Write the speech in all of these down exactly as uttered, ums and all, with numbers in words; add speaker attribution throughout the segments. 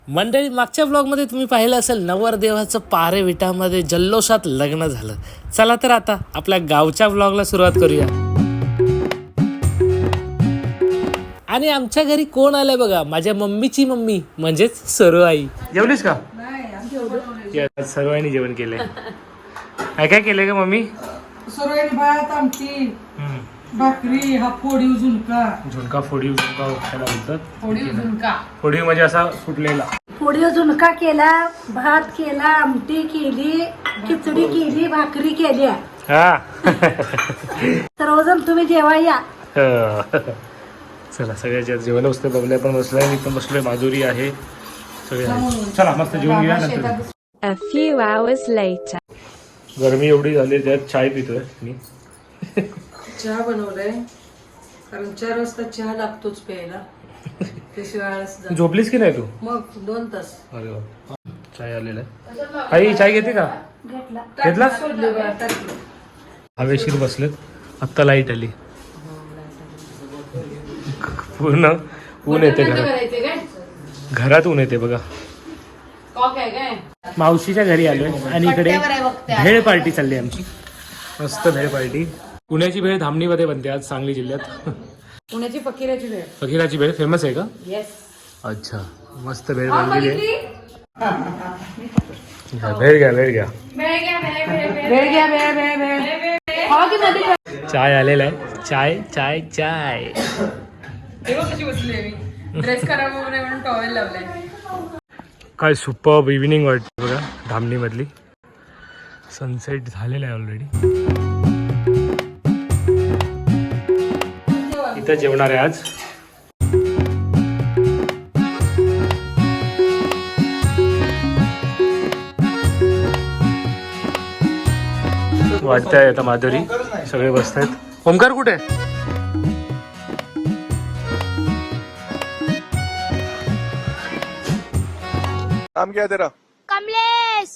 Speaker 1: मंडळी, मागच्या ब्लॉगमध्ये तुम्ही पाहिलं असेल नवरदेवाचं पारे विटामध्ये जल्लोषात लग्न झालं. चला तर आता आपल्या गावच्या ब्लॉगला सुरुवात करूया. आणि आमच्या घरी कोण आलंय बघा, माझ्या मम्मीची मम्मी म्हणजेच सरू आई. जेवलीस का? सरू आईने जेवण केलंय. काय काय केलंय का मम्मी?
Speaker 2: सरू आईने भात, आमटी, भाकरी, हा फोडीव झुणका.
Speaker 1: झुणका फोडीव झुणका त्याला बोलतात.
Speaker 2: फोडीव झुणका
Speaker 1: फोडीव म्हणजे असा फुटलेला.
Speaker 3: फोडीव झुणका केला, भात केला, आमटी केली, खिचडी केली, भाकरी केल्या.
Speaker 1: हा
Speaker 3: सर्वजण तुम्ही जेवा या.
Speaker 1: चला, सगळ्याच्या जेवण बसले, बबल्या पण बसलाय, मी पण बसलोय, माधुरी आहे, सगळे आहे. चला मस्त जेवण घेऊया नंतर.
Speaker 4: A few hours later.
Speaker 1: गरमी एवढी झाली त्यात चाय पितोय मी.
Speaker 2: चहा बनवलाय कारण चार वाजता चहा लागतोच प्यायला. त्याशिवाय आळस जात.
Speaker 1: झोपलीस की नाही तू?
Speaker 2: मग दोन तास.
Speaker 1: अरे वा, चाय आलेला आहे. आई चाय घेते का? घेतला. हवेशीर बसलेत, आत्ता लाईट आली. पूर्ण ऊन येते घरात, घरात ऊन येते बघा. मावशीच्या घरी आलोय आणि इकडे भेळ पार्टी चालली आमची. मस्त भेळ पार्टी. पुण्याची भेळ धामणीमध्ये बनते आज सांगली जिल्ह्यात.
Speaker 2: पुण्याची फकीराची भेळ.
Speaker 1: फकीराची भेळ फेमस आहे का?
Speaker 2: येस.
Speaker 1: अच्छा, मस्त भेळ बनलेली आहे. भेळ घ्या, भेळ घ्या,
Speaker 2: भेळ घ्या, भेळ भेळ भेळ.
Speaker 1: चाय आलेला आहे. चाय चाय चाय.
Speaker 2: कशी बसली आहे मी, ड्रेस खराब होऊ नये म्हणून टॉवेल लावलाय.
Speaker 1: काय सुपर्ब इव्हिनिंग वाटते बघा धामणी मधली. सनसेट झालेला आहे ऑलरेडी. इथं जेवणार आहे आज. वाटतंय आता माधुरी, सगळे बसतायत. ओमकार कुठे?
Speaker 5: नाम क्या है तेरा?
Speaker 4: कमलेश.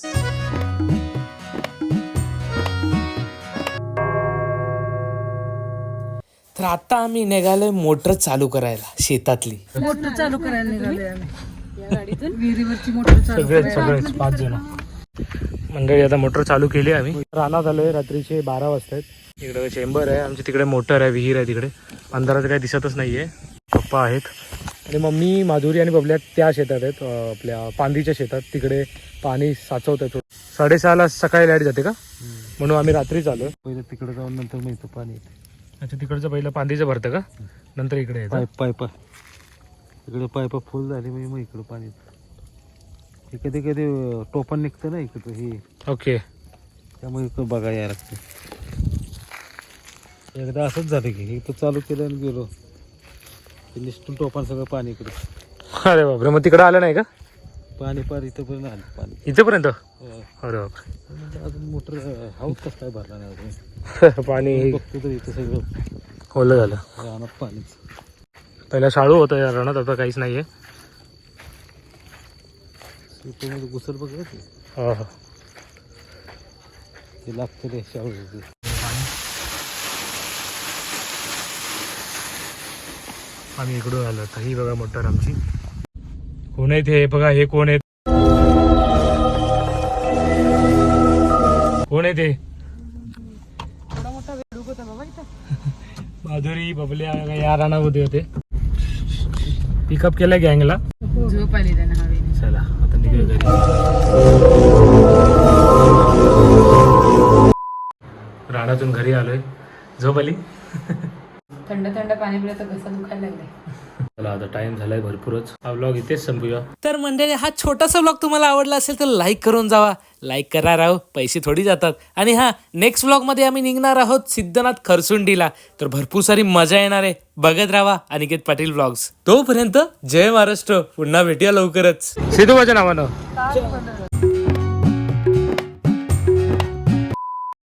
Speaker 1: तर आता आम्ही निघालोय मोटर चालू करायला शेतातली.
Speaker 2: मोटर चालू करायला निघाले आम्ही या गाडीतून. विहिरीवरची मोटर चालू
Speaker 1: सगळेच सगळेच पाच जण मंडळी. आता मोटर चालू केली आम्ही. रानात आलोय, रात्रीचे बारा वाजता आहेत. इकडे चेंबर आहे आमची, तिकडे मोटर आहे, विहीर आहे तिकडे. अंधारात काही दिसतच नाहीये. पप्पा आहेत आणि मम्मी, माधुरी आणि बबल्या त्या शेतात आहेत, आपल्या पांदीच्या शेतात. तिकडे पाणी साचवतात. साडेसहाला सकाळी लाईट जाते का, म्हणून आम्ही रात्रीच आलोय.
Speaker 6: पहिलं तिकडे जाऊन नंतर मग इथं पाणी येते.
Speaker 1: अच्छा, तिकडचं पहिलं पांदीचं भरतं का, नंतर इकडे येतं.
Speaker 6: पाईप पाईप इकडे पाईप फुल झाली म्हणजे मग इकडं पाणी येतं. हे कधी कधी टोपण निघतं ना इकडं हे,
Speaker 1: ओके.
Speaker 6: त्यामुळे इकडं बघा यायला लागतं. एकदा असंच झालं की इथं चालू केलं आणि गेलो, निष्ठून टोपण सगळं पाणी इकडं.
Speaker 1: अरे बापरे, मग तिकडं आलं नाही का
Speaker 6: पाणी पार इथंपर्यंत आलं पाणी,
Speaker 1: इथेपर्यंत?
Speaker 6: हो.
Speaker 1: अरे बापरे,
Speaker 6: म्हणजे अजून मोटर हाऊस कसं काय भरला नाही अजून.
Speaker 1: पाणी
Speaker 6: बघतो तर इथं सगळं
Speaker 1: ओलं झालं.
Speaker 6: रानात पाणीच.
Speaker 1: पहिला शाळू होतं या रानात, आता काहीच नाहीये.
Speaker 6: मध्ये घुसल बघ ते,
Speaker 1: हा हा,
Speaker 6: ते लागतं रे शाळू.
Speaker 1: आम्ही इकडून आलो. तर ही बघा मोटर आमची. कोण आहे ते बघा, हे कोण आहेत, कोण आहे ते? माधुरी, बबल्या या रानामध्ये होते. पिकअप केलं गँगला.
Speaker 2: झोप आली त्यांना हवेने.
Speaker 1: चला आता निघूया घरी. रानातून घरी आलोय. झोप आली.
Speaker 2: थंड थंड पाणी पिलं तर घसा दुखायला लागलाय.
Speaker 1: चला आता टाइम झालाय भरपूरच. हा व्लॉग इथेच संपूया. तर मंडळी, हा छोटासा व्लॉग तुम्हाला आवडला असेल तर लाईक करून जावा. लाईक करा राव, पैसे थोडी जातात. आणि हा, नेक्स्ट व्लॉग मध्ये आम्ही निघणार आहोत सिद्धनाथ खरसुंडीला. तर भरपूर सारी मजा येणार आहे. बघत राहा अनिकेत पाटील व्लॉग्स. तोपर्यंत जय महाराष्ट्र. पुन्हा भेटूया लवकरच. सिद्धू माझ्या नावानं.